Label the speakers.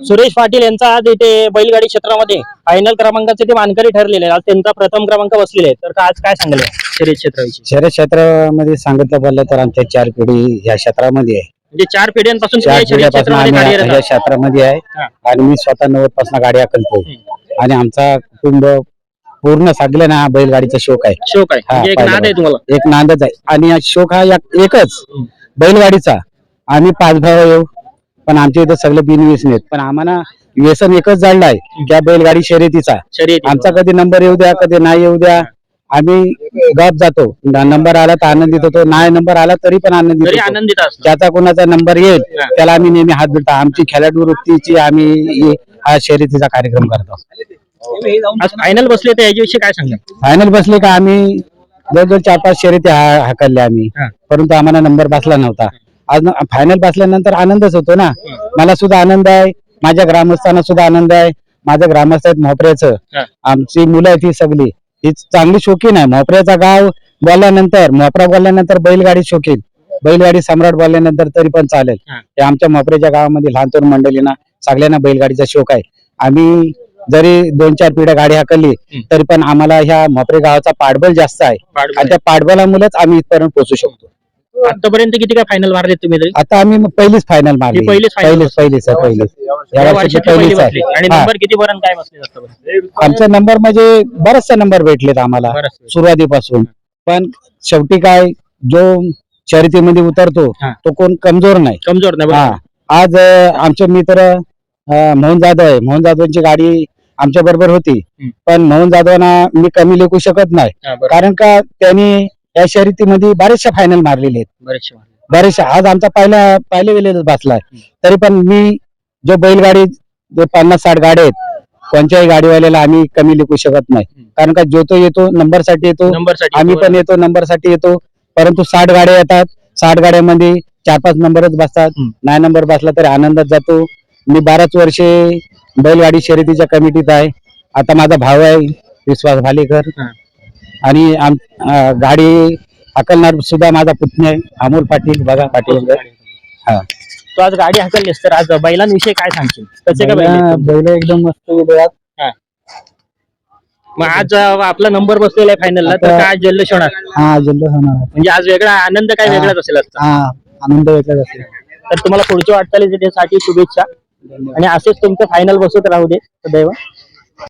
Speaker 1: सुरेश पाटील यांचा आज इथे बैलगाडी क्षेत्रामध्ये फायनल क्रमांकाचे ते मानकरी ठरलेले आज त्यांचा प्रथम क्रमांक बसलेला आहे. तर आज काय सांगाल शर्यत क्षेत्राविषयी?
Speaker 2: शहर क्षेत्रामध्ये सांगितलं बोललं तर आमच्या 4 पिढी या क्षेत्रामध्ये आहे.
Speaker 1: म्हणजे 4 पिढ्यांपासून तुम्ही
Speaker 2: 4
Speaker 1: या शर्यत
Speaker 2: पिढ्यापासून
Speaker 1: क्षेत्रामध्ये
Speaker 2: आम्ही
Speaker 1: कार्यरत
Speaker 2: या
Speaker 1: आहात.
Speaker 2: क्षेत्रामध्ये आहे
Speaker 1: हा.
Speaker 2: आणि मी स्वतः 90 पासून गाडी हाकलतो आणि आमचा कुटुंब पूर्ण सगळं ना बैलगाडीचा शौक आहे.
Speaker 1: शौक आहे
Speaker 2: हा,
Speaker 1: म्हणजे एक
Speaker 2: पाहिलं
Speaker 1: नाद आहे तुम्हाला.
Speaker 2: एक नांदच आहे आणि हा शौक हा एकच बैलगाडीचा. आम्ही 5 भाऊ येऊ पण आमच्या इथं सगळे बिनव्यसन आहेत पण आम्हाला व्यसन एकच जाणलं आहे त्या बैलगाडी शर्यतीचा.
Speaker 1: शर्यत
Speaker 2: आमचा कधी नंबर येऊ द्या कधी नाही येऊ द्या आम्ही गप जातो. नंबर आला तर आनंदित होतो नाही नंबर आला तरी पण आनंदित
Speaker 1: तरी
Speaker 2: होतो.
Speaker 1: आनंदित असतो.
Speaker 2: ज्याचा कोणाचा नंबर येईल त्याला आम्ही नेहमी हात धरतो. आमची खेळाडू वृत्तीची आम्ही हा शर्यतीचा कार्यक्रम करतो.
Speaker 1: आज फायनल बसले तर याच्याविषयी काय सांगाल?
Speaker 2: फायनल बसले का आम्ही जवळजवळ 4-5 शर्यती हाकलल्या आम्ही
Speaker 1: हा.
Speaker 2: परंतु आम्हाला नंबर बसला नव्हता. आज फायनल बसल्यानंतर आनंदच होतो ना. मला सुद्धा आनंद आहे माझ्या ग्रामस्थांना सुद्धा आनंद आहे. माझं ग्रामस्थ आहेत मोपऱ्याचं
Speaker 1: हा.
Speaker 2: आमची मुलं आहेत ही सगळी ही चांगली शौकीन आहे. मोपऱ्याचा गाव बोलल्यानंतर मोपरा बोलल्यानंतर बैलगाडी शौकीन बैलगाडी सम्राट बोलल्यानंतर तरी पण चालेल.
Speaker 1: हा.
Speaker 2: हे आमच्या मोपऱ्याच्या गावामध्ये लहान तरुण मंडळींना सगळ्यांना बैलगाडीचा शौक आहे. आम्ही जरी 2-4 पिढ्या गाडी हाकलली तरी पण आम्हाला ह्या मोपरे गावाचा पाठबळ जास्त आहे आणि त्या पाठबळामुळेच आम्ही इथपर्यंत पोहोचू शकतो.
Speaker 1: आतापर्यंत किती काय फायनल मारले तुम्ही तरी?
Speaker 2: आता आम्ही पहिलीच फायनल मारली.
Speaker 1: ही पहिलीच final
Speaker 2: पहिलीच
Speaker 1: या
Speaker 2: या वर्षी
Speaker 1: वर्षाची पहिली
Speaker 2: पहिलीच
Speaker 1: बसली. आणि
Speaker 2: आहे. हा.
Speaker 1: नंबर किती पर्यंत काय बसले आतापर्यंत?
Speaker 2: आमचा नंबर म्हणजे बरेचसे नंबर भेटलेत आम्हाला
Speaker 1: बरंच.
Speaker 2: सुरुवातीपासून पण शेवटी काय जो शर्यतीमध्ये उतरतो
Speaker 1: हा.
Speaker 2: तो कोण कमजोर नाही.
Speaker 1: कमजोर नाही
Speaker 2: हा.
Speaker 1: बरोबर.
Speaker 2: आज आमचे मित्र मोहन जाधव आहे. मोहन जाधवांची गाडी आमच्या बरोबर होती पण मोहन जाधवांना मी कमी लेखू शकत नाही
Speaker 1: हा, बरोबर.
Speaker 2: कारण का त्यांनी या शर्यतीमध्ये बऱ्याचशा फायनल मारलेले आहेत.
Speaker 1: बरेचसे मारले.
Speaker 2: बरेचशा आज आमचा पहिल्या वेळेला बसलाय तरी पण मी जो बैलगाडी जे 50-60 गाड्या आहेत कोणत्याही गाडीवाल्याला आम्ही कमी लिखू शकत नाही कारण का जो तो येतो नंबर साठी येतो
Speaker 1: नंबरसाठी
Speaker 2: आम्ही पण येतो नंबर साठी येतो परंतु 60 गाड्या येतात 60 गाड्यामध्ये 4-5 नंबरच बसतात. नाही नंबर बसला तरी आनंदात जातो. मी 12 वर्षे बैलगाडी शर्यतीच्या कमिटीत आहे. आता माझा भाऊ आहे विश्वास भालेकर आणि गाडी हाकलणार सुद्धा माझा पुतण्या आहे अमोल पाटील बघा पाटील. हा.
Speaker 1: तू आज गाडी हाकललीस तर आज बैलांविषयी काय सांगशील? कसे काय बैल आहेत?
Speaker 2: बैल एकदम मस्त गेले.
Speaker 1: मग आज आपला नंबर बसलेला आहे फायनलला तर काय जल्लोष होणार?
Speaker 2: हा जल्लोष होणार.
Speaker 1: म्हणजे आज वेगळा आनंद काय वेगळाच असेल असता.
Speaker 2: हा आनंद वेगळाच असेल.
Speaker 1: तर तुम्हाला पुढच्या वाटचालीसाठी शुभेच्छा आणि असेच तुमचं फायनल बसत राहू दे सदैव.